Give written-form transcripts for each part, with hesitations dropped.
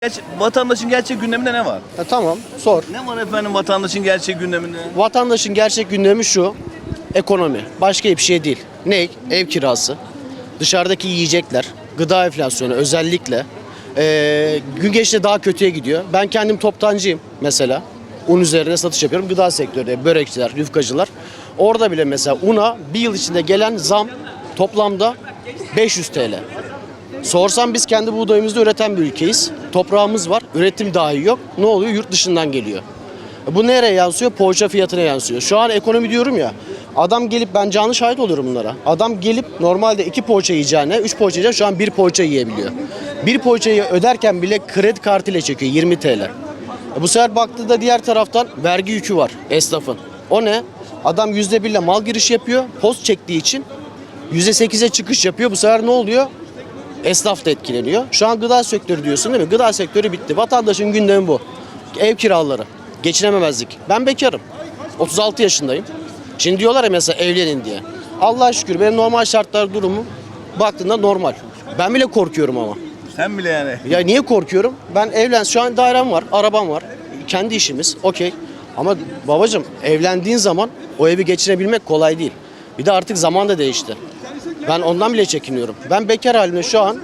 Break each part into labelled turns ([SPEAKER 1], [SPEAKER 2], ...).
[SPEAKER 1] Vatandaşın gerçek gündeminde ne var?
[SPEAKER 2] Tamam, sor.
[SPEAKER 1] Ne var efendim vatandaşın gerçek gündeminde?
[SPEAKER 2] Vatandaşın gerçek gündemi şu: ekonomi. Başka bir şey değil. Ne? Ev kirası, dışarıdaki yiyecekler, gıda enflasyonu özellikle. Gün geçtikçe daha kötüye gidiyor. Ben kendim toptancıyım mesela. Un üzerine satış yapıyorum. Gıda sektöründe börekçiler, yufkacılar. Orada bile mesela una bir yıl içinde gelen zam toplamda 500 TL. Sorsam biz kendi buğdayımızda üreten bir ülkeyiz. Toprağımız var. Üretim dahi yok. Ne oluyor? Yurt dışından geliyor. Bu nereye yansıyor? Poğaça fiyatına yansıyor. Şu an ekonomi diyorum ya. Adam gelip, ben canlı şahit oluyorum bunlara. Adam gelip normalde 2 poğaça yiyeceğine 3 poğaça yiyeceğine şu an 1 poğaça yiyebiliyor. 1 poğaçayı öderken bile kredi kartıyla çekiyor 20 TL. Bu sefer baktığında diğer taraftan vergi yükü var esnafın. O ne? Adam %1 ile mal girişi yapıyor. Post çektiği için %8'e çıkış yapıyor. Bu sefer ne oluyor? Esnaf da etkileniyor. Şu an gıda sektörü diyorsun değil mi? Gıda sektörü bitti. Vatandaşın gündemi bu. Ev kiraları, geçinememezlik. Ben bekarım. 36 yaşındayım. Şimdi diyorlar ya mesela evlenin diye. Allah'a şükür benim normal şartlar durumu baktığında normal. Ben bile korkuyorum ama.
[SPEAKER 1] Sen bile yani.
[SPEAKER 2] Ya niye korkuyorum? Ben şu an dairem var, arabam var. Kendi işimiz, okey. Ama babacığım evlendiğin zaman o evi geçirebilmek kolay değil. Bir de artık zaman da değişti. Ben ondan bile çekiniyorum. Ben bekar halimde şu an,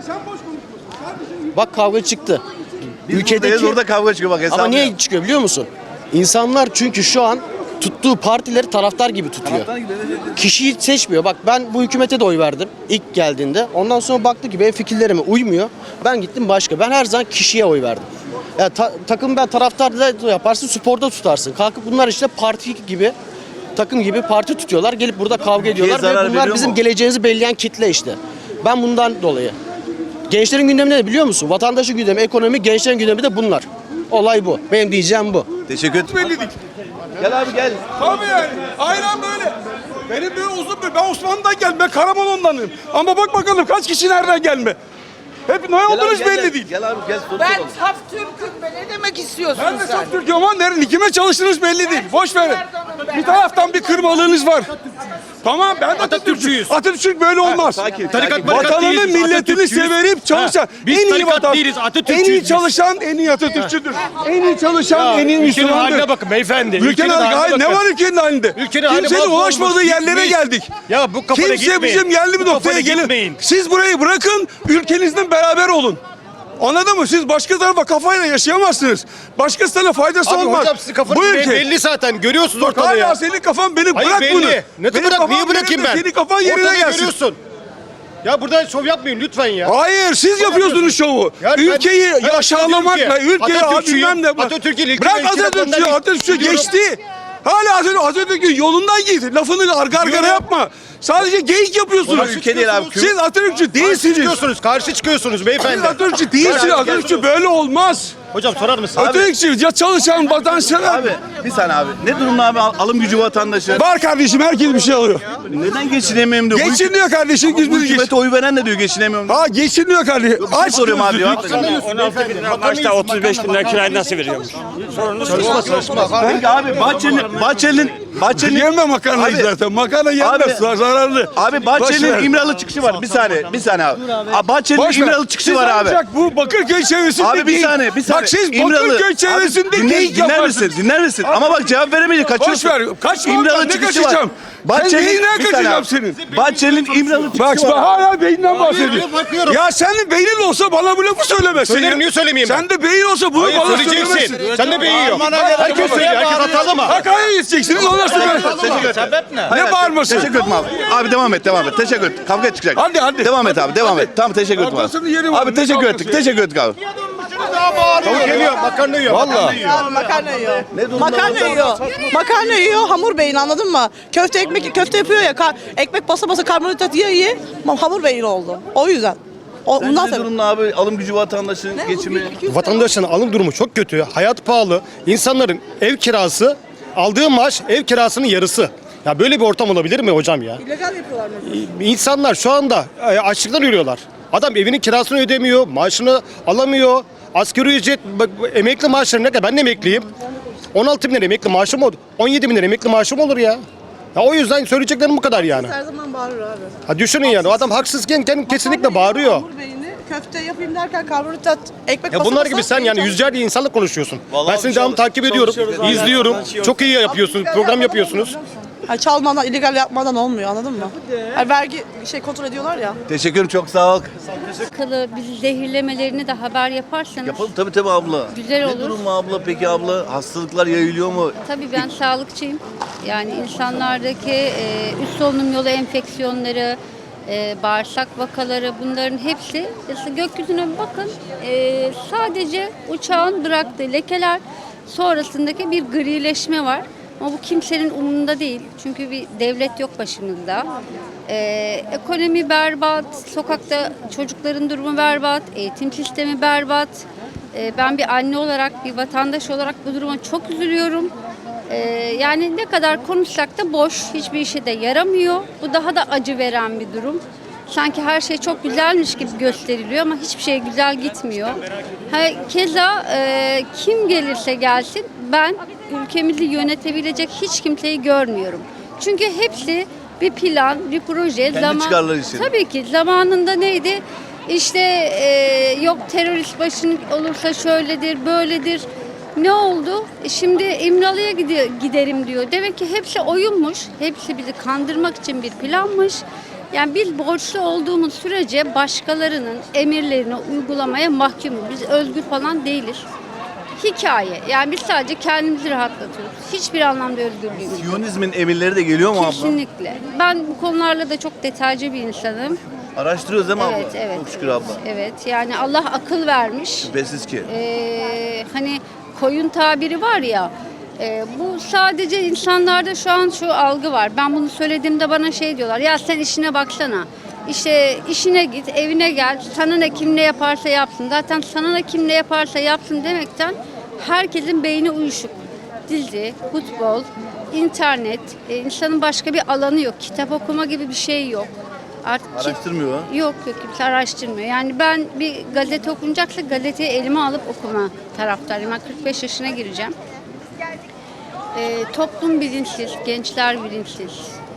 [SPEAKER 2] bak kavga çıktı.
[SPEAKER 1] Ülkedeki orada kavga çıkıyor bak hesabı.
[SPEAKER 2] Ama niye çıkıyor biliyor musun? İnsanlar çünkü şu an tuttuğu partileri taraftar gibi tutuyor. Kişiyi seçmiyor. Bak ben bu hükümete de oy verdim ilk geldiğinde. Ondan sonra baktı ki benim fikirlerime uymuyor. Ben gittim başka. Ben her zaman kişiye oy verdim. Ya takım ben taraftar da yaparsın, sporda tutarsın. Kalkıp bunlar işte parti gibi, takım gibi parti tutuyorlar. Gelip burada kavga ediyorlar ve bunlar bizim geleceğimizi belirleyen kitle işte. Ben bundan dolayı. Gençlerin gündemi ne biliyor musun? Vatandaşın gündemi, ekonomi, gençlerin gündemi de bunlar. Olay bu. Benim diyeceğim bu.
[SPEAKER 1] Teşekkür ederim. Gel abi gel.
[SPEAKER 3] Tabii yani. Aynen böyle. Benim böyle uzun bir... Ben Osmanlı'dan geldim. Ben Karamanlı'ndanım. Ama bak bakalım kaç kişi nereden gelme. Hep ne olduğunuz belli değil.
[SPEAKER 1] Gel abi gel.
[SPEAKER 4] Ben saf Türk'üm be. Ne demek istiyorsun
[SPEAKER 3] Ben de
[SPEAKER 4] sen?
[SPEAKER 3] çok Türk'üm ama kime çalıştığınız belli değil. Boş verin. Bir taraftan bir kırmalığınız var. Tamam ben de Atatürkçüyüz. Atatürk böyle olmaz. Vatanını, milletini severip çalışan en iyi en iyi çalışan en iyi Atatürkçüdür. En iyi çalışan en iyi Müslümandır.
[SPEAKER 5] Haline bakın beyefendi.
[SPEAKER 3] Ülkenin haline ne var ülkenin halinde? Kimsenin ulaşmadığı yerlere geldik.
[SPEAKER 5] Ya bu kafada
[SPEAKER 3] Kimse bizim yerli bir noktaya gelin. Siz burayı bırakın, ülkenizden beraber olun. Anladın mı? Siz başka tarafa kafayla yaşayamazsınız. Başkasına faydası
[SPEAKER 5] Abi
[SPEAKER 3] olmaz.
[SPEAKER 5] hocam sizin kafanız belli zaten. Görüyorsunuz
[SPEAKER 3] Bak
[SPEAKER 5] ortada
[SPEAKER 3] hala
[SPEAKER 5] ya.
[SPEAKER 3] senin kafan beni
[SPEAKER 5] Hayır,
[SPEAKER 3] bırak
[SPEAKER 5] belli.
[SPEAKER 3] bunu.
[SPEAKER 5] Ne
[SPEAKER 3] Benim
[SPEAKER 5] bırak?
[SPEAKER 3] kafam
[SPEAKER 5] Niye bırakayım
[SPEAKER 3] yerinde,
[SPEAKER 5] ben?
[SPEAKER 3] Senin kafan yerine
[SPEAKER 5] Ortada
[SPEAKER 3] gelsin.
[SPEAKER 5] görüyorsun. Ya burada şov yapmayın lütfen ya.
[SPEAKER 3] Hayır siz yapıyorsunuz şovu.
[SPEAKER 5] Ya
[SPEAKER 3] Ülkeyi
[SPEAKER 5] ben
[SPEAKER 3] aşağılamakla, ülkeyi bilmem ne.
[SPEAKER 5] Atatürk'ün
[SPEAKER 3] Bırak Atatürk'ü geçti. Hala Atatürk'ün yolundan git. Lafını argara yapma. Sadece geyik yapıyorsunuz.
[SPEAKER 1] Ülke değil abi.
[SPEAKER 3] Siz Atatürkçü değilsiniz.
[SPEAKER 5] Karşı çıkıyorsunuz
[SPEAKER 3] Siz
[SPEAKER 5] beyefendi.
[SPEAKER 3] Atatürkçü değilsiniz. Atatürkçü böyle olmaz.
[SPEAKER 5] Hocam sorar mısın?
[SPEAKER 3] Atatürkçü ya çalışan vatansever.
[SPEAKER 1] Abi bir saniye abi. Ne durumda abi alım gücü vatandaşı?
[SPEAKER 3] Var kardeşim herkes bir şey alıyor.
[SPEAKER 1] Neden geçinemiyorum diyor.
[SPEAKER 3] Geçiniyor kardeşim.
[SPEAKER 1] Bu hükümete oy veren de diyor geçinemiyorum.
[SPEAKER 3] Ha geçiniyor kardeşim.
[SPEAKER 1] Aç soruyorum abi ya.
[SPEAKER 6] 16 bin lira maaşla 35 bin lira kirayı nasıl veriyormuş?
[SPEAKER 1] Peki abi Bahçeli'nin
[SPEAKER 3] Yeme makarnayı
[SPEAKER 1] Abi-
[SPEAKER 3] zaten. Makarna yenmez. Zararlı.
[SPEAKER 1] Abi
[SPEAKER 3] Boş ver.
[SPEAKER 1] Bahçeli'nin İmralı çıkışı var. Bir saniye abi. Bahçeli'nin
[SPEAKER 3] Boş ver.
[SPEAKER 1] İmralı çıkışı
[SPEAKER 3] Siz
[SPEAKER 1] var abi.
[SPEAKER 3] ancak bu Bakırköy çevresinde
[SPEAKER 1] Abi bir
[SPEAKER 3] değil.
[SPEAKER 1] saniye.
[SPEAKER 3] Bak siz Bakırköy çevresinde
[SPEAKER 1] Dinler misin? Ama bak cevap veremeyince
[SPEAKER 3] Boş
[SPEAKER 1] kaçıyorsun.
[SPEAKER 3] ver. Kaçma
[SPEAKER 1] İmralı
[SPEAKER 3] oradan, ne
[SPEAKER 1] çıkışı var.
[SPEAKER 3] kaçacağım? Sen neyinden
[SPEAKER 1] bir saniye
[SPEAKER 3] kaçacağım
[SPEAKER 1] abi.
[SPEAKER 3] senin?
[SPEAKER 1] Bahçeli'nin İmralı çıkışı
[SPEAKER 3] Bak
[SPEAKER 1] var.
[SPEAKER 3] hala beyninden bahsediyor.
[SPEAKER 5] bakıyorum.
[SPEAKER 3] Ya senin beynin olsa bana bu lafı söylemezsin.
[SPEAKER 5] Söylerim, niye söylemeyeyim ben?
[SPEAKER 3] Sen de beyin olsa bunu
[SPEAKER 5] Hayır
[SPEAKER 3] bana
[SPEAKER 5] söyleyeceksin.
[SPEAKER 3] söylemezsin.
[SPEAKER 5] Sen de beğeniyor. Herkes söylüyor. Herkes hatalı mı?
[SPEAKER 3] Hakkari'ye gideceksiniz ondan sonra.
[SPEAKER 5] Sebep ne?
[SPEAKER 3] Ne bağırması?
[SPEAKER 1] Teşekkür ederim abi. Abi devam et. Teşekkür et. Kavga çıkacak.
[SPEAKER 3] Hadi.
[SPEAKER 1] Devam et abi. Devam et. Tamam teşekkür ederim
[SPEAKER 3] Arkasını yerim
[SPEAKER 1] abi.
[SPEAKER 3] abi,
[SPEAKER 1] Abi teşekkür
[SPEAKER 3] ne
[SPEAKER 1] ettik.
[SPEAKER 3] kavgası
[SPEAKER 1] Teşekkür ettik abi.
[SPEAKER 5] Tavuk geliyor, makarna yiyor.
[SPEAKER 3] Valla.
[SPEAKER 4] Makarna yiyor. Makarna yiyor, hamur beyin anladın mı? Köfte yapıyor ya, ekmek basa basa karbonhidrat yiye hamur beyin oldu. O yüzden. Bundan
[SPEAKER 1] Ne
[SPEAKER 4] sonra.
[SPEAKER 1] durumda abi alım gücü vatandaşın geçimi?
[SPEAKER 5] Vatandaşın alım durumu çok kötü. Hayat pahalı. İnsanların ev kirası, aldığı maaş ev kirasının yarısı. Ya böyle bir ortam olabilir mi hocam ya?
[SPEAKER 4] İllegal yapıyorlar mesela.
[SPEAKER 5] İnsanlar şu anda açlıktan ölüyorlar. Adam evinin kirasını ödemiyor, maaşını alamıyor. Asgari ücret, emekli maaşları ne kadar? Ben de emekliyim. 16 bin lira emekli maaşım olur. 17 bin lira emekli maaşım olur ya. Ya o yüzden söyleyeceklerim bu kadar yani.
[SPEAKER 4] Her zaman bağırır abi.
[SPEAKER 5] Ha düşünün yani o adam haksızken kesinlikle bağırıyor.
[SPEAKER 4] Hamur beyni köfte yapayım derken karbonhidrat, ekmek
[SPEAKER 5] Ya
[SPEAKER 4] basa
[SPEAKER 5] bunlar
[SPEAKER 4] basa
[SPEAKER 5] gibi sen yani
[SPEAKER 4] insan-
[SPEAKER 5] yüzlerce insanla konuşuyorsun.
[SPEAKER 1] Vallahi
[SPEAKER 5] Ben seni devamlı takip ediyorum, izliyorum. Çok iyi yapıyorsunuz, program yapıyorsunuz.
[SPEAKER 4] Yani çalmadan, illegal yapmadan olmuyor, anladın mı? Yani vergi kontrol ediyorlar ya.
[SPEAKER 1] Teşekkürüm, çok sağ ol.
[SPEAKER 7] Alakalı bizi zehirlemelerini de haber yaparsanız
[SPEAKER 1] Yapalım tabii abla.
[SPEAKER 7] Güzel
[SPEAKER 1] Ne
[SPEAKER 7] olur.
[SPEAKER 1] durum mu abla peki abla? Hastalıklar yayılıyor mu?
[SPEAKER 7] tabii ben sağlıkçıyım. Yani insanlardaki üst solunum yolu enfeksiyonları, bağırsak vakaları bunların hepsi gökyüzüne bir bakın sadece uçağın bıraktığı lekeler sonrasındaki bir grileşme var. Ama bu kimsenin umurunda değil. Çünkü bir devlet yok başımızda. Ekonomi berbat, sokakta çocukların durumu berbat, eğitim sistemi berbat. Ben bir anne olarak, bir vatandaş olarak bu duruma çok üzülüyorum. Yani ne kadar konuşsak da boş, hiçbir işe de yaramıyor. Bu daha da acı veren bir durum. Sanki her şey çok güzelmiş gibi gösteriliyor ama hiçbir şey güzel gitmiyor. Keza kim gelirse gelsin ben ülkemizi yönetebilecek hiç kimseyi görmüyorum. Çünkü hepsi bir plan, bir proje.
[SPEAKER 1] Kendi çıkarları için.
[SPEAKER 7] Tabii ki zamanında neydi? İşte yok terörist başın olursa şöyledir, böyledir. Ne oldu? Şimdi İmralı'ya giderim diyor. Demek ki hepsi oyunmuş. Hepsi bizi kandırmak için bir planmış. Yani biz borçlu olduğumuz sürece başkalarının emirlerini uygulamaya mahkumuz. Biz özgür falan değiliz. Hikaye. Yani biz sadece kendimizi rahatlatıyoruz. Hiçbir anlamda özgürlüğümüz yok.
[SPEAKER 1] Siyonizmin emirleri de geliyor mu abla?
[SPEAKER 7] Kesinlikle. Ben bu konularla da çok detaycı bir insanım.
[SPEAKER 1] Araştırıyoruz değil mi abla?
[SPEAKER 7] Evet, evet.
[SPEAKER 1] Çok şükür abla.
[SPEAKER 7] Evet. Yani Allah akıl vermiş.
[SPEAKER 1] Şüphesiz ki.
[SPEAKER 7] Hani koyun tabiri var ya, bu sadece insanlarda şu an şu algı var. Ben bunu söylediğimde bana şey diyorlar, ya sen işine baksana. İşte işine git, evine gel, sana ne kim ne yaparsa yapsın. Zaten sana ne kim ne yaparsa yapsın demekten herkesin beyni uyuşuk. Dizi, futbol, internet, insanın başka bir alanı yok. Kitap okuma gibi bir şey yok. Artık
[SPEAKER 1] Araştırmıyor ha?
[SPEAKER 7] Yok kimse araştırmıyor. Yani ben bir gazete okunacaksa gazeteyi elime alıp okuma taraftarıyım. Ben 45 yaşına gireceğim. Toplum bilinçsiz, gençler bilinçsiz.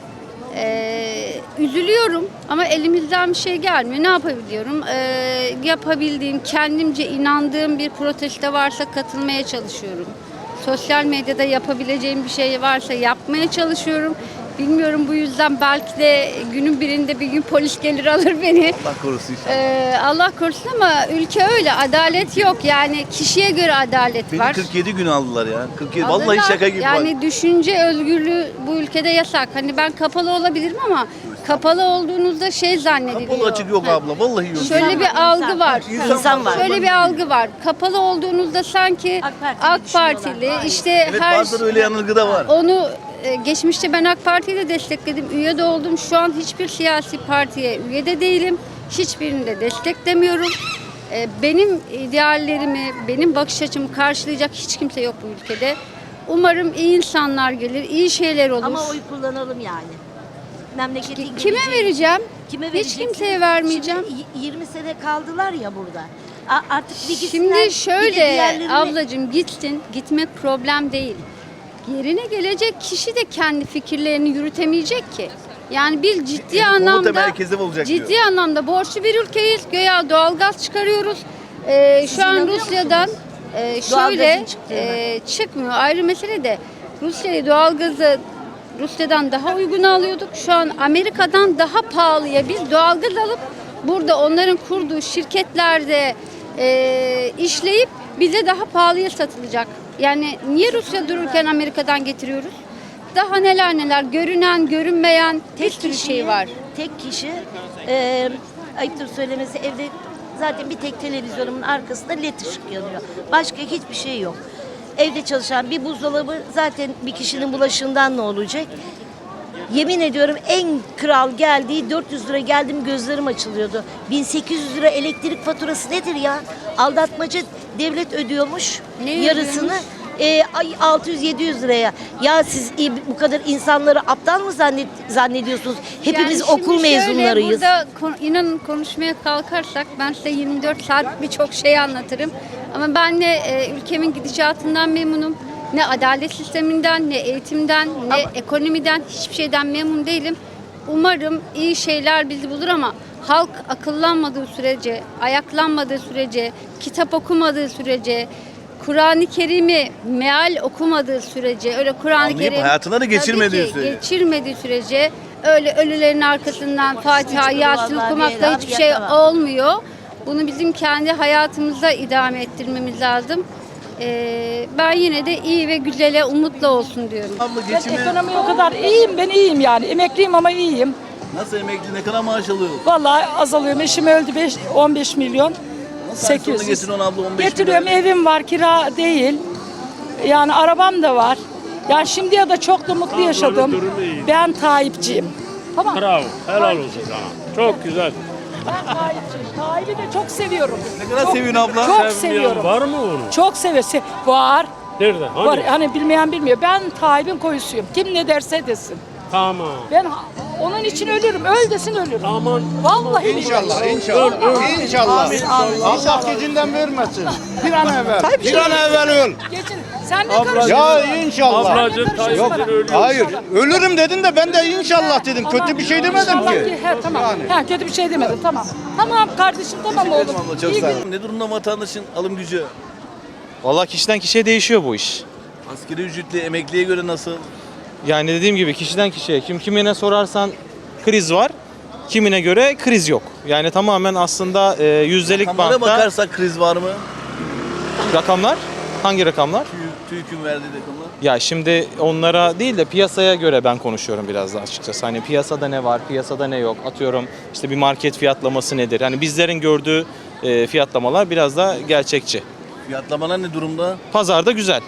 [SPEAKER 7] Üzülüyorum ama elimizden bir şey gelmiyor. Ne yapabiliyorum? Yapabildiğim, kendimce inandığım bir protesto varsa katılmaya çalışıyorum. Sosyal medyada yapabileceğim bir şey varsa yapmaya çalışıyorum. Bilmiyorum, bu yüzden belki de günün birinde bir gün polis gelir alır beni.
[SPEAKER 1] Allah korusun inşallah.
[SPEAKER 7] Allah korusun ama ülke öyle. Adalet yok. Yani kişiye göre adalet
[SPEAKER 1] Beni
[SPEAKER 7] var.
[SPEAKER 1] 47 gün aldılar ya. 47.
[SPEAKER 7] Alırlar.
[SPEAKER 1] Vallahi şaka gibi.
[SPEAKER 7] Yani düşünce özgürlüğü bu ülkede yasak. Hani ben kapalı olabilirim ama kapalı olduğunuzda şey zannediliyor.
[SPEAKER 1] Kapalı açık yok abla. Vallahi yok.
[SPEAKER 7] Şöyle bir algı var.
[SPEAKER 1] İnsan var.
[SPEAKER 7] Şöyle bir algı var. Kapalı olduğunuzda sanki AK Partili işte
[SPEAKER 1] Evet,
[SPEAKER 7] her
[SPEAKER 1] bazen öyle yanılgı da var.
[SPEAKER 7] onu geçmişte ben AK Parti'yi de destekledim. Üye de oldum. Şu an hiçbir siyasi partiye üye de değilim. Hiçbirini de desteklemiyorum. Benim ideallerimi, benim bakış açımı karşılayacak hiç kimse yok bu ülkede. Umarım iyi insanlar gelir, iyi şeyler olur.
[SPEAKER 8] Ama oy kullanalım yani. Memleketin
[SPEAKER 7] Kime
[SPEAKER 8] geleceği-
[SPEAKER 7] vereceğim?
[SPEAKER 8] Kime
[SPEAKER 7] Hiç
[SPEAKER 8] vereceksin?
[SPEAKER 7] kimseye vermeyeceğim.
[SPEAKER 8] Şimdi 20 sene kaldılar ya burada. Artık bir gitsinler.
[SPEAKER 7] Şimdi
[SPEAKER 8] bir de
[SPEAKER 7] şöyle
[SPEAKER 8] diğerlerini-
[SPEAKER 7] ablacığım gitsin, gitmek problem değil. Yerine gelecek kişi de kendi fikirlerini yürütemeyecek ki. Yani biz ciddi
[SPEAKER 1] Komuta
[SPEAKER 7] anlamda
[SPEAKER 1] merkezi olacak diyor.
[SPEAKER 7] ciddi anlamda borçlu bir ülkeyiz. Göya doğalgaz çıkarıyoruz. Şu an
[SPEAKER 8] inanıyor
[SPEAKER 7] Rusya'dan şöyle
[SPEAKER 8] Doğalgazın çıktığına?
[SPEAKER 7] çıkmıyor. Ayrı mesele de Rusya'yı doğalgazı Rusya'dan daha uygun alıyorduk. Şu an Amerika'dan daha pahalıya biz doğalgaz alıp burada onların kurduğu şirketlerde işleyip bize daha pahalıya satılacak. Yani niye Rusya dururken Amerika'dan getiriyoruz? Daha neler neler, görünen, görünmeyen bir sürü şey var.
[SPEAKER 8] Tek kişi ayıptır söylemesi, evde zaten bir tek televizyonumun arkasında led ışık yanıyor. Başka hiçbir şey yok. Evde çalışan bir buzdolabı zaten bir kişinin bulaşığından ne olacak? Yemin ediyorum en kral geldiği 400 lira geldim gözlerim açılıyordu. 1800 lira elektrik faturası nedir ya? Aldatmaca devlet ödüyormuş
[SPEAKER 7] Ne
[SPEAKER 8] yarısını. 600-700 liraya. Ya siz bu kadar insanları aptal mı zannediyorsunuz? Hepimiz
[SPEAKER 7] Yani şimdi
[SPEAKER 8] okul
[SPEAKER 7] şöyle,
[SPEAKER 8] mezunlarıyız.
[SPEAKER 7] Burada inanın konuşmaya kalkarsak ben size 24 saat birçok şey anlatırım. Ama ben ne ülkemin gidişatından memnunum, ne adalet sisteminden, ne eğitimden, ne ekonomiden, hiçbir şeyden memnun değilim. Umarım iyi şeyler bizi bulur ama halk akıllanmadığı sürece, ayaklanmadığı sürece, kitap okumadığı sürece, Kur'an-ı Kerim'i meal okumadığı sürece, öyle Kur'an-ı
[SPEAKER 1] Anlayıp
[SPEAKER 7] Kerim
[SPEAKER 1] hayatına da geçirmediği
[SPEAKER 7] tabii ki
[SPEAKER 1] sürece.
[SPEAKER 7] geçirmediği sürece öyle ölülerin arkasından Fatiha, Yasin
[SPEAKER 8] vallahi
[SPEAKER 7] okumakla
[SPEAKER 8] değil,
[SPEAKER 7] hiçbir şey
[SPEAKER 8] yapamam.
[SPEAKER 7] olmuyor. Bunu bizim kendi hayatımızda idame ettirmemiz lazım. Ben yine de iyi ve güzele umutla olsun diyorum.
[SPEAKER 1] Abla
[SPEAKER 9] Ben
[SPEAKER 1] geçimi
[SPEAKER 9] ekonomi o kadar iyiyim, ben iyiyim yani. Emekliyim ama iyiyim.
[SPEAKER 1] nasıl, emekli ne kadar maaş alıyor?
[SPEAKER 9] Vallahi azalıyor. Eşim öldü 15 milyon.
[SPEAKER 1] Sen sonra
[SPEAKER 9] 800.
[SPEAKER 1] getiriyorsun abla 15
[SPEAKER 9] Getiriyorum,
[SPEAKER 1] milyon.
[SPEAKER 9] evim var, kira değil. Yani arabam da var. Yani şimdiye da çok da mutlu yaşadım. Ben Tayyipçiyim. Tamam.
[SPEAKER 6] Bravo. Helal olsun sana. Çok güzel.
[SPEAKER 9] Ben Tayyipçiyim. Tayyip'i de çok seviyorum.
[SPEAKER 1] Ne kadar seviyorsun abla?
[SPEAKER 9] Çok seviyorum.
[SPEAKER 6] Var mı onu?
[SPEAKER 9] Çok seviyorum. Var.
[SPEAKER 6] Nerede?
[SPEAKER 9] Var. Hani bilmeyen bilmiyor. Ben Tayyip'in koyusuyum. Kim ne derse desin.
[SPEAKER 6] Tamam.
[SPEAKER 9] Ben onun için ölürüm. Öl desin ölürüm.
[SPEAKER 6] Aman.
[SPEAKER 9] Vallahi
[SPEAKER 5] İnşallah, inşallah. İnşallah. Allah gecinden vermesin. Bir an evvel. Bir an evvel öl.
[SPEAKER 9] Geçin. Sen ne karışıyorsun?
[SPEAKER 5] Ya inşallah.
[SPEAKER 6] Ablacığım Tayyip'in ölüyor.
[SPEAKER 5] Hayır, ölürüm dedin de ben de inşallah dedim. Kötü bir şey demedim
[SPEAKER 9] İnşallah
[SPEAKER 5] ki.
[SPEAKER 9] He, tamam. Ha, kötü bir şey demedim. Tamam. Tamam kardeşim, tamam oğlum.
[SPEAKER 1] Abla çok
[SPEAKER 9] İyi
[SPEAKER 1] sağ ol.
[SPEAKER 9] gün.
[SPEAKER 1] Ne durumda vatandaşın alım gücü?
[SPEAKER 10] Vallahi kişiden kişiye değişiyor bu iş.
[SPEAKER 1] Asgari ücretli emekliye göre nasıl?
[SPEAKER 10] Yani dediğim gibi kişiden kişiye kimine sorarsan kriz var. Kimine göre kriz yok. Yani tamamen aslında yüzdelik
[SPEAKER 1] Rakamlara
[SPEAKER 10] bantta
[SPEAKER 1] bakarsak kriz var mı?
[SPEAKER 10] rakamlar. Hangi rakamlar?
[SPEAKER 1] TÜİK'ün verdiği rakamlar.
[SPEAKER 10] Ya şimdi onlara değil de piyasaya göre ben konuşuyorum biraz da açıkçası. Hani piyasada ne var, piyasada ne yok. Atıyorum işte bir market fiyatlaması nedir? Hani bizlerin gördüğü fiyatlamalar biraz da gerçekçi.
[SPEAKER 1] Fiyatlamalar ne durumda?
[SPEAKER 10] Pazarda güzel.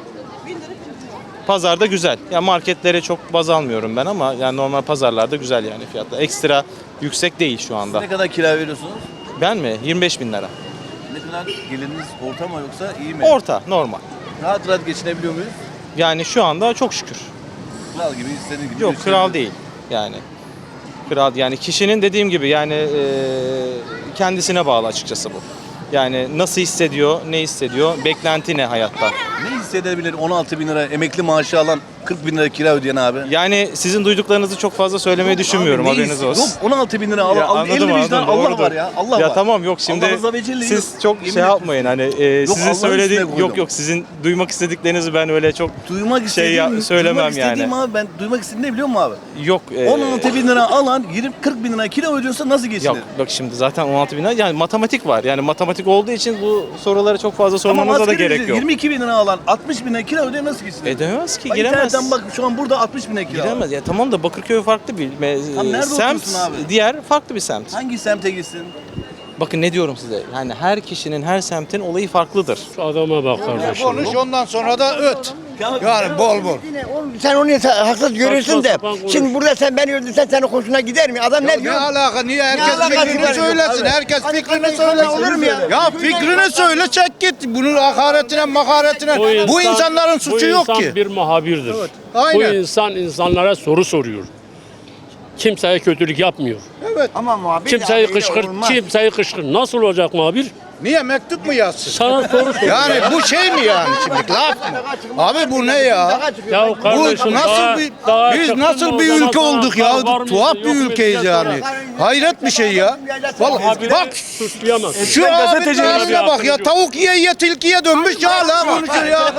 [SPEAKER 10] Pazarda güzel. Ya marketlere çok baz almıyorum ben ama yani normal pazarlarda güzel yani fiyatlar. Ekstra yüksek değil şu anda.
[SPEAKER 1] Ne kadar kira veriyorsunuz?
[SPEAKER 10] Ben mi? 25 bin lira.
[SPEAKER 1] Ne kadar geliriniz orta mı yoksa iyi mi?
[SPEAKER 10] Orta, normal.
[SPEAKER 1] Rahat rahat geçinebiliyor muyuz?
[SPEAKER 10] Yani şu anda çok şükür.
[SPEAKER 1] Kral gibi, istediğiniz gibi.
[SPEAKER 10] Yok, kral
[SPEAKER 1] geçinebiliyoruz.
[SPEAKER 10] değil yani. Kral yani kişinin dediğim gibi yani kendisine bağlı açıkçası bu. Yani nasıl hissediyor, ne hissediyor, beklenti ne hayatta.
[SPEAKER 1] Ne hissedebilir 16 bin lira emekli maaşı alan 40 bin lira kira ödeyen abi?
[SPEAKER 10] Yani sizin duyduklarınızı çok fazla söylemeyi düşünmüyorum,
[SPEAKER 1] Abi ne
[SPEAKER 10] haberiniz olsun.
[SPEAKER 1] Yok 16 bin lira
[SPEAKER 10] Ya
[SPEAKER 1] al,
[SPEAKER 10] anladım,
[SPEAKER 1] 50 vicdan
[SPEAKER 10] anladım,
[SPEAKER 1] Allah
[SPEAKER 10] doğrudur.
[SPEAKER 1] var ya. Allah
[SPEAKER 10] Ya
[SPEAKER 1] var.
[SPEAKER 10] tamam, yok şimdi
[SPEAKER 1] Allah rıza ve celle'yi
[SPEAKER 10] siz
[SPEAKER 1] yok.
[SPEAKER 10] çok
[SPEAKER 1] Yemin
[SPEAKER 10] şey
[SPEAKER 1] ederim.
[SPEAKER 10] yapmayın hani sizin
[SPEAKER 1] Allah'ın
[SPEAKER 10] söylediğin
[SPEAKER 1] üstüne koydum.
[SPEAKER 10] yok sizin duymak istediklerinizi ben öyle çok
[SPEAKER 1] Duymak istediğim,
[SPEAKER 10] söylemem
[SPEAKER 1] duymak
[SPEAKER 10] yani.
[SPEAKER 1] istediğim abi ben duymak istediğim ne biliyor musun abi?
[SPEAKER 10] yok.
[SPEAKER 1] 16 bin lira alan 40 bin lira kira ödüyorsa nasıl geçinir?
[SPEAKER 10] Yok bak şimdi zaten 16 bin lira yani matematik var. Yani matematik olduğu için bu soruları çok fazla
[SPEAKER 1] Tamam,
[SPEAKER 10] sormanıza da
[SPEAKER 1] asgari
[SPEAKER 10] gerek
[SPEAKER 1] ücret
[SPEAKER 10] yok.
[SPEAKER 1] 22 bin lira alan 60 bin lira kira ödüyor nasıl geçinir?
[SPEAKER 10] Edemez ki,
[SPEAKER 1] Bak,
[SPEAKER 10] giremez.
[SPEAKER 1] İnternetten bak şu an burada 60 bin lira kira.
[SPEAKER 10] Giremez. Ya tamam da Bakırköy farklı bir
[SPEAKER 1] Tam nerede
[SPEAKER 10] semt,
[SPEAKER 1] oturuyorsun abi?
[SPEAKER 10] diğer farklı bir semt.
[SPEAKER 1] Hangi semte gitsin?
[SPEAKER 10] Bakın ne diyorum size. Yani her kişinin, her semtin olayı farklıdır.
[SPEAKER 6] Şu adama bak kardeşim.
[SPEAKER 5] Konuş ondan sonra da öt. Yani bol bol.
[SPEAKER 11] Sen onu haksız görürsün de.
[SPEAKER 6] sapan konuş.
[SPEAKER 11] Şimdi burada sen beni öldürsen senin hoşuna gider mi? Adam ne
[SPEAKER 5] Ne
[SPEAKER 11] diyor?
[SPEAKER 5] alaka? Niye herkes
[SPEAKER 11] alakası
[SPEAKER 5] fikrini
[SPEAKER 11] var?
[SPEAKER 5] söylesin? Herkes fikrini
[SPEAKER 11] Olur
[SPEAKER 5] söylesin.
[SPEAKER 11] mu ya?
[SPEAKER 5] Ya fikrini söyle, çek git. Bunun hakaretine, makaretine. Bu insanların suçu yok
[SPEAKER 6] Bu
[SPEAKER 5] ki.
[SPEAKER 6] insan bir muhabirdir.
[SPEAKER 5] Aynen.
[SPEAKER 6] Bu insan insanlara soru soruyor. Kimseye kötülük yapmıyor.
[SPEAKER 11] Ama muhabir
[SPEAKER 6] Kimseyi
[SPEAKER 11] de
[SPEAKER 6] kışkırt,
[SPEAKER 11] olmaz.
[SPEAKER 6] kimseyi kışkırt. Nasıl olacak muhabir?
[SPEAKER 5] Niye mektup mu yazsın?
[SPEAKER 6] Sana soru soruyor.
[SPEAKER 5] Yani bu şey mi yani şimdi? Laf mı? Abi bu ne ya?
[SPEAKER 6] Ya
[SPEAKER 5] Bu
[SPEAKER 6] kardeşim,
[SPEAKER 5] nasıl biz nasıl bir ülke olduk ya? Tuhaf bir ülkeyiz yani. Hayret bir şey ya. Vallahi bak
[SPEAKER 6] suçlayamaz.
[SPEAKER 5] şu abinin haline bak ya. Tavuk yiye tilkiye dönmüş ya hala konuşuyor ya.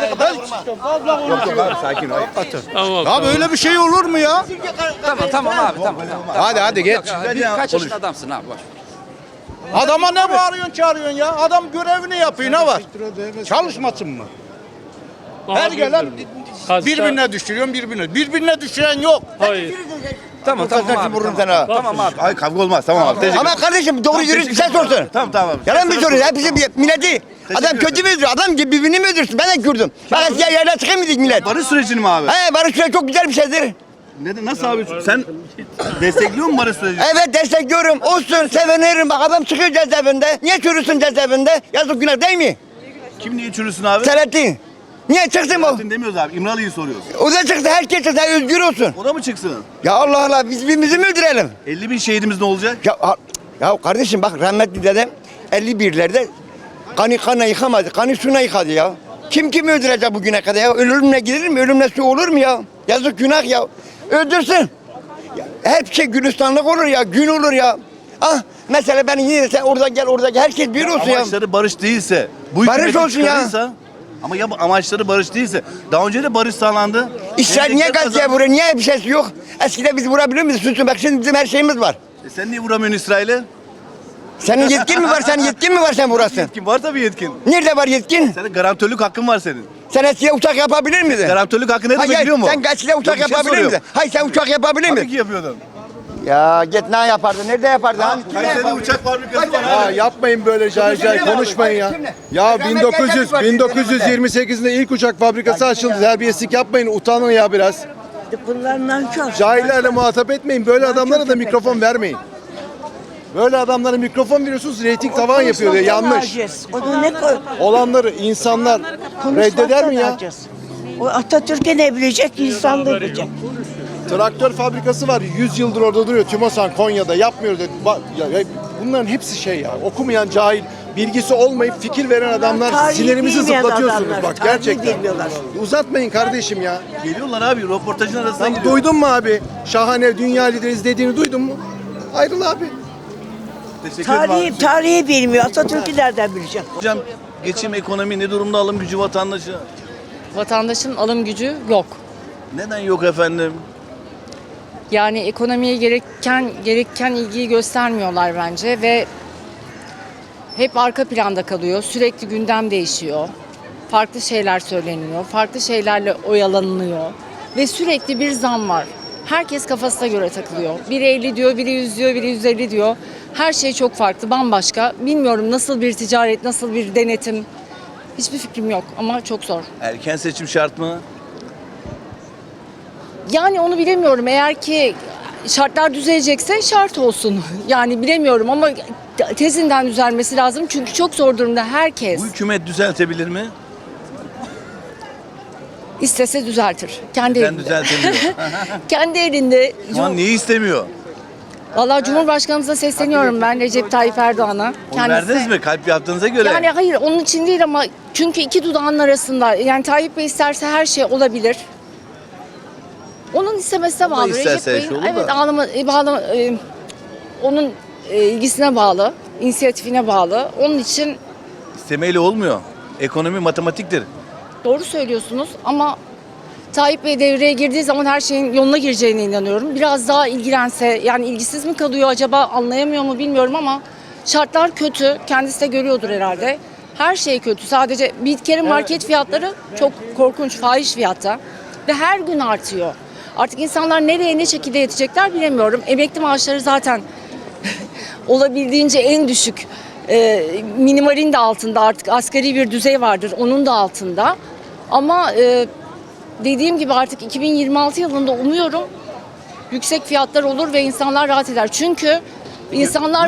[SPEAKER 6] Tamam.
[SPEAKER 5] Ya böyle bir şey olur mu ya?
[SPEAKER 11] Tamam abi tamam.
[SPEAKER 5] Hadi geç.
[SPEAKER 11] Kaç yaşında adamsın abi boş.
[SPEAKER 5] Adama ne bağırıyorsun çağırıyorsun ya? Adam görevini yapıyor, ne var? Çalışmasın mı? Her gelen birbirine düşürüyorsun birbirine. Birbirine düşüren yok.
[SPEAKER 6] Hayır.
[SPEAKER 11] Tamam abi. Vururum sana.
[SPEAKER 1] Tamam abi. Ay kavga olmaz tamam abi. Teşekkür
[SPEAKER 11] Ama kardeşim doğru yürüyüş sen sorsun.
[SPEAKER 1] Tamam abi.
[SPEAKER 11] Yalan mı soruyor? Hepsi milleti. Adam kötü mü öldürüyor? Adam gibi birbirini mi öldürsün? Ben de Kürdüm. Ben eskiden yerden çıkayım mıydık millet?
[SPEAKER 1] Barış sürecini mi abi?
[SPEAKER 11] He barış süreci çok güzel bir şeydir.
[SPEAKER 1] Nasıl abi? Sen destekliyor musun barış sürecini?
[SPEAKER 11] Evet destekliyorum. Olsun sevinirim. Bak adam çıkıyor cezaevinde. Niye çürüsün cezaevinde? Yazık günah değil mi?
[SPEAKER 1] Kim niye çürüsün abi?
[SPEAKER 11] Selahattin. Niye çıksın bu?
[SPEAKER 1] Selahattin demiyoruz abi. İmralı'yı soruyoruz.
[SPEAKER 11] O da çıksın herkes çıksın özgür olsun.
[SPEAKER 1] O da mı çıksın?
[SPEAKER 11] Ya Allah Allah biz birbirimizi mi öldürelim?
[SPEAKER 1] 50 bin şehidimiz ne olacak?
[SPEAKER 11] Ya kardeşim bak rahmetli dedem 51'lerde kanı yıkamadı. Kanı suyuna yıkadı ya. Kim kimi öldürecek bugüne kadar ya? Ölümle gider mi? Ölümle su olur mu ya? Yazık günah ya. Öldürsün. Ya, her şey gülistanlık olur ya. Gün olur ya. Ah Mesela ben yine sen orada gel orada gel. Herkes bir olsun ya.
[SPEAKER 1] Amaçları barış değilse, bu
[SPEAKER 11] Barış
[SPEAKER 1] hükümeti
[SPEAKER 11] olsun ya.
[SPEAKER 1] çıkarırsa, ama ya bu amaçları barış değilse, daha önce de barış sağlandı.
[SPEAKER 11] İşler niye
[SPEAKER 1] Memleket
[SPEAKER 11] Gazze'ye
[SPEAKER 1] kazandı.
[SPEAKER 11] vuruyor? Niye bir şeysi yok? Eskiden biz vurabiliyor muyuz? Susun bak şimdi bizim her şeyimiz var.
[SPEAKER 1] Sen niye vuramıyorsun İsrail'e?
[SPEAKER 11] Senin yetkin mi var? Senin yetkin mi var sen vurasın?
[SPEAKER 1] Yetkin var tabii yetkin.
[SPEAKER 11] Nerede var yetkin?
[SPEAKER 1] Senin garantörlük hakkın var senin.
[SPEAKER 11] Sen eskiye uçak yapabilir miydin?
[SPEAKER 1] Garantörlük hakkı ne demek
[SPEAKER 11] Hayır,
[SPEAKER 1] biliyor musun?
[SPEAKER 11] sen eskiye uçak
[SPEAKER 1] Yok, bir şey
[SPEAKER 11] yapabilir
[SPEAKER 1] soruyorum.
[SPEAKER 11] miydin? Hayır sen uçak yapabilir
[SPEAKER 1] Tabii
[SPEAKER 11] miydin?
[SPEAKER 1] ki yapıyordun.
[SPEAKER 11] Ya git ne yapardın? Nerede yapardın? Hani kimle
[SPEAKER 1] Kayseri'de
[SPEAKER 11] yapardın?
[SPEAKER 1] uçak fabrikası var
[SPEAKER 5] Ya
[SPEAKER 1] abi.
[SPEAKER 5] yapmayın böyle cahil cahil konuşmayın ya. Ya 1928'de ilk uçak fabrikası açıldı. Terbiyesizlik yapmayın, utanın ya biraz.
[SPEAKER 9] Bunlar nankör.
[SPEAKER 5] Cahillerle muhatap etmeyin. Böyle adamlara da mikrofon vermeyin. Böyle adamlara mikrofon veriyorsunuz, reyting tavan yapıyor diye. Yanlış.
[SPEAKER 9] Onu ne koy?
[SPEAKER 5] Olanları insanlar reddeder mi ya?
[SPEAKER 9] O Atatürk'e ne bilecek, insan da bilecek.
[SPEAKER 5] Traktör fabrikası var. 100 yıldır orada duruyor. Tümosan Konya'da yapmıyor dedi. Bunların hepsi şey ya. Okumayan cahil, bilgisi olmayıp fikir veren adamlar,
[SPEAKER 9] Tarihi
[SPEAKER 5] sinirimizi
[SPEAKER 9] bilmeyen
[SPEAKER 5] zıplatıyorsunuz
[SPEAKER 9] adamlar,
[SPEAKER 5] bak
[SPEAKER 9] tarihi
[SPEAKER 5] gerçekten.
[SPEAKER 9] bilmiyorlar.
[SPEAKER 5] Uzatmayın kardeşim ya.
[SPEAKER 1] Geliyorlar abi, röportajın arasından
[SPEAKER 5] Sen
[SPEAKER 1] geliyor.
[SPEAKER 5] duydun mu abi? Şahane dünya lideriz dediğini duydun mu? Ayrıl abi.
[SPEAKER 1] Teşekkür ederim abi.
[SPEAKER 9] Tarihi bilmiyor. Atatürk'ü nereden bilecek?
[SPEAKER 1] Hocam, geçim, ekonomi ne durumda, alım gücü vatandaşı?
[SPEAKER 12] Vatandaşın alım gücü yok.
[SPEAKER 1] Neden yok efendim?
[SPEAKER 12] Yani ekonomiye gereken ilgiyi göstermiyorlar bence ve hep arka planda kalıyor. Sürekli gündem değişiyor. Farklı şeyler söyleniyor. Farklı şeylerle oyalanılıyor. Ve sürekli bir zam var. Herkes kafasına göre takılıyor. Biri 50 diyor, biri 100 diyor, biri 150 diyor. Her şey çok farklı, bambaşka. Bilmiyorum nasıl bir ticaret, nasıl bir denetim. Hiçbir fikrim yok ama çok zor.
[SPEAKER 1] Erken seçim şart mı?
[SPEAKER 12] Yani onu bilemiyorum. Eğer ki şartlar düzelecekse şart olsun. Yani bilemiyorum ama tezinden düzelmesi lazım. Çünkü çok zor durumda herkes.
[SPEAKER 1] Bu hükümet düzeltebilir mi?
[SPEAKER 12] İstese düzeltir. Kendi
[SPEAKER 1] Neden
[SPEAKER 12] elinde.
[SPEAKER 1] düzeltemiyor?
[SPEAKER 12] Kendi elinde.
[SPEAKER 1] Şu an neyi istemiyor?
[SPEAKER 12] Vallahi Cumhurbaşkanımıza sesleniyorum ben Recep Tayyip Erdoğan'a.
[SPEAKER 1] Onu verdiniz mi kalp yaptığınıza göre?
[SPEAKER 12] Yani hayır onun için değil ama çünkü iki dudağın arasında. Yani Tayyip Bey isterse her şey olabilir. Onun istemesine bağlı.
[SPEAKER 1] isterse her şey olur da.
[SPEAKER 12] evet onun ilgisine bağlı, inisiyatifine bağlı. Onun için
[SPEAKER 1] İstemeyle olmuyor. Ekonomi matematiktir.
[SPEAKER 12] doğru söylüyorsunuz ama Tayyip Bey devreye girdiği zaman her şeyin yoluna gireceğine inanıyorum. Biraz daha ilgilense, yani ilgisiz mi kalıyor acaba, anlayamıyor mu bilmiyorum ama şartlar kötü. Kendisi de görüyordur herhalde. Her şey kötü. Sadece bir kere market fiyatları çok korkunç, fahiş fiyatta ve her gün artıyor. Artık insanlar nereye ne şekilde yetecekler bilemiyorum. Emekli maaşları zaten olabildiğince en düşük. Minimalin de altında, artık asgari bir düzey vardır. Onun da altında. Ama dediğim gibi artık 2026 yılında umuyorum yüksek fiyatlar olur ve insanlar rahat eder. Çünkü insanlar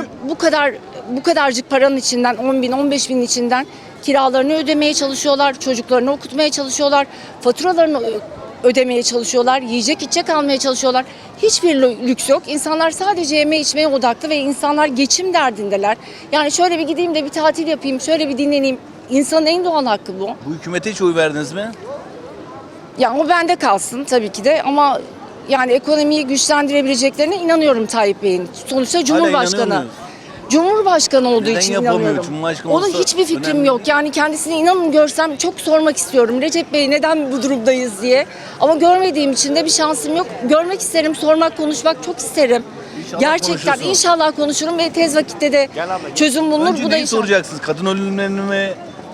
[SPEAKER 12] bu kadarcık paranın içinden 10 bin, 15 bin içinden kiralarını ödemeye çalışıyorlar, çocuklarını okutmaya çalışıyorlar, faturalarını ödemeye çalışıyorlar, yiyecek içecek almaya çalışıyorlar. Hiçbir lüks yok. İnsanlar sadece yeme içmeye odaklı ve insanlar geçim derdindeler. Yani şöyle bir gideyim de bir tatil yapayım, şöyle bir dinleneyim. İnsanın en doğal hakkı bu.
[SPEAKER 1] Bu hükümete hiç oy verdiniz mi?
[SPEAKER 12] Yani o bende kalsın tabii ki de ama yani ekonomiyi güçlendirebileceklerine inanıyorum Tayyip Bey'in. Sonuçta Cumhurbaşkanı.
[SPEAKER 1] inanıyor muyuz?
[SPEAKER 12] Cumhurbaşkanı olduğu
[SPEAKER 1] Neden
[SPEAKER 12] için
[SPEAKER 1] yapamıyor?
[SPEAKER 12] inanıyorum.
[SPEAKER 1] Cumhurbaşkanı
[SPEAKER 12] Onun
[SPEAKER 1] olsa
[SPEAKER 12] hiçbir fikrim
[SPEAKER 1] önemli.
[SPEAKER 12] yok. Yani kendisini inanın görsem çok sormak istiyorum. Recep Bey neden bu durumdayız diye. Ama görmediğim için de bir şansım yok. Görmek isterim, sormak, konuşmak çok isterim.
[SPEAKER 1] İnşallah
[SPEAKER 12] Gerçekten
[SPEAKER 1] konuşursun.
[SPEAKER 12] inşallah konuşurum ve tez vakitte de çözüm bulunur.
[SPEAKER 1] Önce
[SPEAKER 12] Bu da
[SPEAKER 1] neyi
[SPEAKER 12] inşallah.
[SPEAKER 1] soracaksınız? Kadın ölümlerini mi?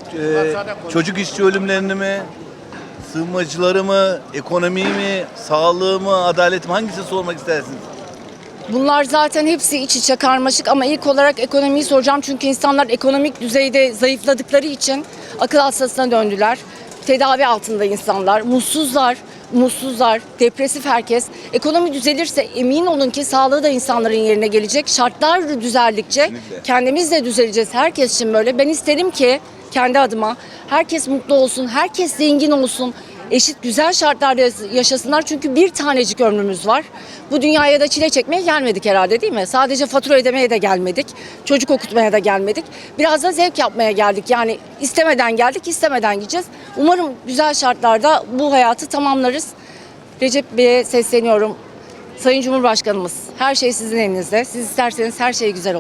[SPEAKER 1] Çocuk işçi ölümlerini mi? Sığınmacıları mı? Ekonomiyi mi? Sağlığı mı? Adalet mi? Hangisini sormak istersiniz?
[SPEAKER 12] Bunlar zaten hepsi iç içe karmaşık ama ilk olarak ekonomiyi soracağım. Çünkü insanlar ekonomik düzeyde zayıfladıkları için akıl hastasına döndüler. Tedavi altında insanlar, mutsuzlar, depresif herkes. Ekonomi düzelirse emin olun ki sağlığı da insanların yerine gelecek. Şartlar düzeldikçe
[SPEAKER 1] Kesinlikle.
[SPEAKER 12] kendimiz de düzeleceğiz. Herkes için böyle. Ben isterim ki kendi adıma herkes mutlu olsun, herkes zengin olsun. Eşit güzel şartlarda yaşasınlar çünkü bir tanecik ömrümüz var. Bu dünyaya da çile çekmeye gelmedik herhalde değil mi? Sadece fatura ödemeye de gelmedik. Çocuk okutmaya da gelmedik. Biraz da zevk yapmaya geldik. Yani istemeden geldik, istemeden gideceğiz. Umarım güzel şartlarda bu hayatı tamamlarız. Recep Bey'e sesleniyorum. Sayın Cumhurbaşkanımız, her şey sizin elinizde. Siz isterseniz her şey güzel olur.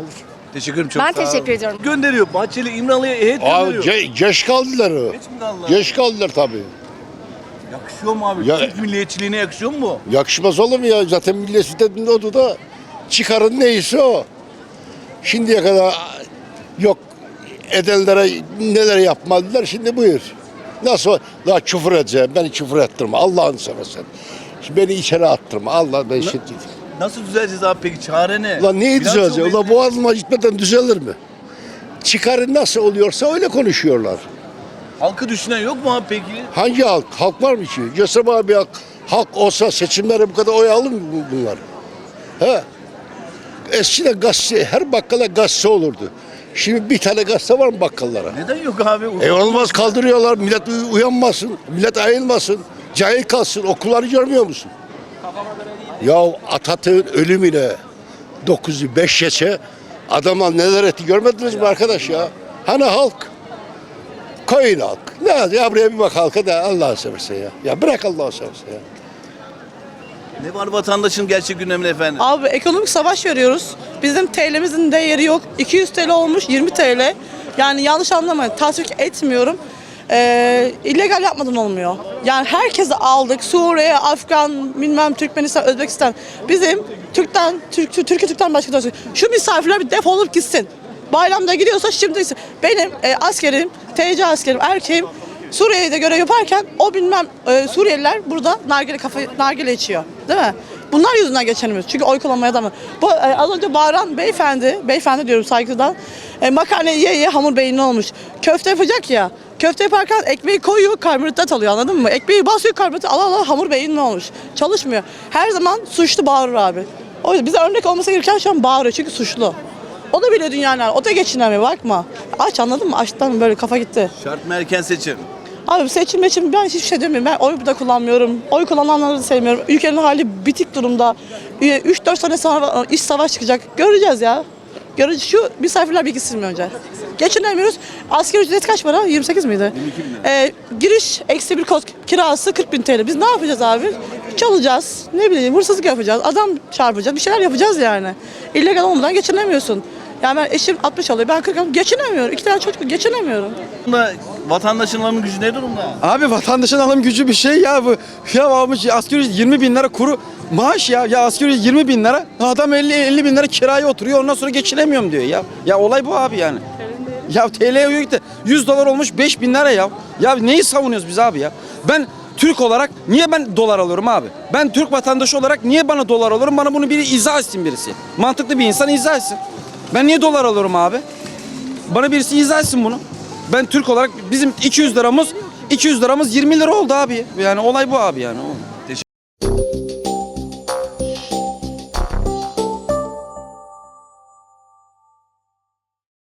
[SPEAKER 1] Teşekkür ederim. Çok
[SPEAKER 12] Ben
[SPEAKER 1] sağ ol.
[SPEAKER 12] teşekkür ediyorum.
[SPEAKER 1] Gönderiyor. Bahçeli İmralı'ya heyet gönderiyor.
[SPEAKER 5] Geç kaldılar o.
[SPEAKER 1] Geç mi kaldılar?
[SPEAKER 5] Geç kaldılar tabii.
[SPEAKER 1] Yakışıyor mu abi?
[SPEAKER 5] Ya-
[SPEAKER 1] Türk milliyetçiliğine yakışıyor mu bu?
[SPEAKER 5] Yakışmaz olur mu ya? Zaten millet oldu da çıkarın neyse o. Şimdiye kadar yok edenlere neler yapmadılar, şimdi buyur. Nasıl daha küfür edeceğim, beni küfür ettirme Allah'ını seversen. Şimdi beni içeri attırma Allah ben şimdi.
[SPEAKER 1] Nasıl düzeleceğiz abi peki? Çare ne?
[SPEAKER 5] Ulan neyi
[SPEAKER 1] Bilanço
[SPEAKER 5] düzelecek?
[SPEAKER 1] belli.
[SPEAKER 5] Ulan boğazıma gitmeden düzelir mi? Çıkarın nasıl oluyorsa öyle konuşuyorlar.
[SPEAKER 1] Halkı düşünen yok mu abi peki?
[SPEAKER 5] Hangi halk? Halk var mı ki? Göster bana bir halk olsa seçimlere bu kadar oy alır mı bunlar? He? Eskiden gazete, her bakkala gazete olurdu. Şimdi bir tane gazete var mı bakkallara?
[SPEAKER 1] Neden yok abi?
[SPEAKER 5] Olmaz kaldırıyorlar. Millet uyanmasın. Millet ayılmasın. Cahil kalsın. Okulları görmüyor musun? Ya Atatürk'ün ölümüne 905 geçe adama neler etti görmediniz mi arkadaş ya? Hani halk? Koyun halk. Ne ya buraya bir bak halka da Allah'ını seversen ya. Ya bırak Allah'ını seversen ya.
[SPEAKER 1] Ne var vatandaşın gerçek gündeminde efendim?
[SPEAKER 4] Abi ekonomik savaş veriyoruz. Bizim TL'mizin değeri yok. 200 TL olmuş 20 TL. Yani yanlış anlamayın. Tasvip etmiyorum. İllegal yapmadan olmuyor. Yani herkesi aldık. Suriye, Afgan, bilmem Türkmenistan, Özbekistan. Bizim Türkiye Türk'ten başka da şu misafirler bir defolup gitsin. Bayramda gidiyorsa şimdi benim askerim, TC askerim, erkeğim Suriye'de görev yaparken o bilmem Suriyeliler burada nargile içiyor. Değil mi? Bunlar yüzünden geçinemiyoruz. Çünkü oy kullanmaya da mı? Bu az önce bağıran beyefendi diyorum saygıdan. Makarna ye hamur beyni olmuş. Köfte yapacak ya. Köfte yaparken ekmeği koyuyor, karbonhidrat alıyor anladın mı? Ekmeği basıyor, karbonhidrat ala hamur beyni olmuş. Çalışmıyor. Her zaman suçlu bağırır abi. O yüzden bize örnek olması gereken şu an bağırıyor çünkü suçlu. O da bile dünyanın, o da geçinemiyor bakma. Aç anladın mı? Açtan böyle kafa gitti.
[SPEAKER 1] Şart mı erken seçim?
[SPEAKER 4] Abi seçim ben hiçbir şey demiyorum. Ben oy da kullanmıyorum. Oy kullananları da sevmiyorum. Ülkenin hali bitik durumda. 3-4 sene sonra iç savaş çıkacak. Göreceğiz ya. Göreceğiz. Şu misafirler bir gitsin mi önce? Geçinemiyoruz. Asgari ücret kaç para? 28 miydi?
[SPEAKER 1] 22 bin.
[SPEAKER 4] Giriş eksi bir kod kirası 40.000 TL. Biz ne yapacağız abi? Çalacağız. Ne bileyim hırsızlık yapacağız. Adam çarpacağız. Bir şeyler yapacağız yani. İllegal olmadan geçinemiyorsun. Yani ben eşim 60 alıyor. Ben 40 alıyorum. Geçinemiyorum. 2 tane çocuk geçinemiyorum.
[SPEAKER 1] Vatandaşın alım gücü ne durumda?
[SPEAKER 3] Abi vatandaşın alım gücü bir şey ya bu. Ya almış asgari ücret 20 bin lira kuru maaş ya. Ya asgari ücret 20 bin lira. Adam 50 bin lira kiraya oturuyor ondan sonra geçinemiyorum diyor ya. Ya olay bu abi yani. Ya TL'ye gitti. 100 dolar olmuş 5 bin lira ya. Ya neyi savunuyoruz biz abi ya? Ben Türk olarak niye ben dolar alıyorum abi? Ben Türk vatandaşı olarak niye bana dolar alıyorum? Bana bunu biri izah etsin birisi. Mantıklı bir insan izah etsin. Ben niye dolar alıyorum abi? Bana birisi izah etsin bunu. Ben Türk olarak bizim 200 liramız 20 lira oldu abi. Yani olay bu abi yani.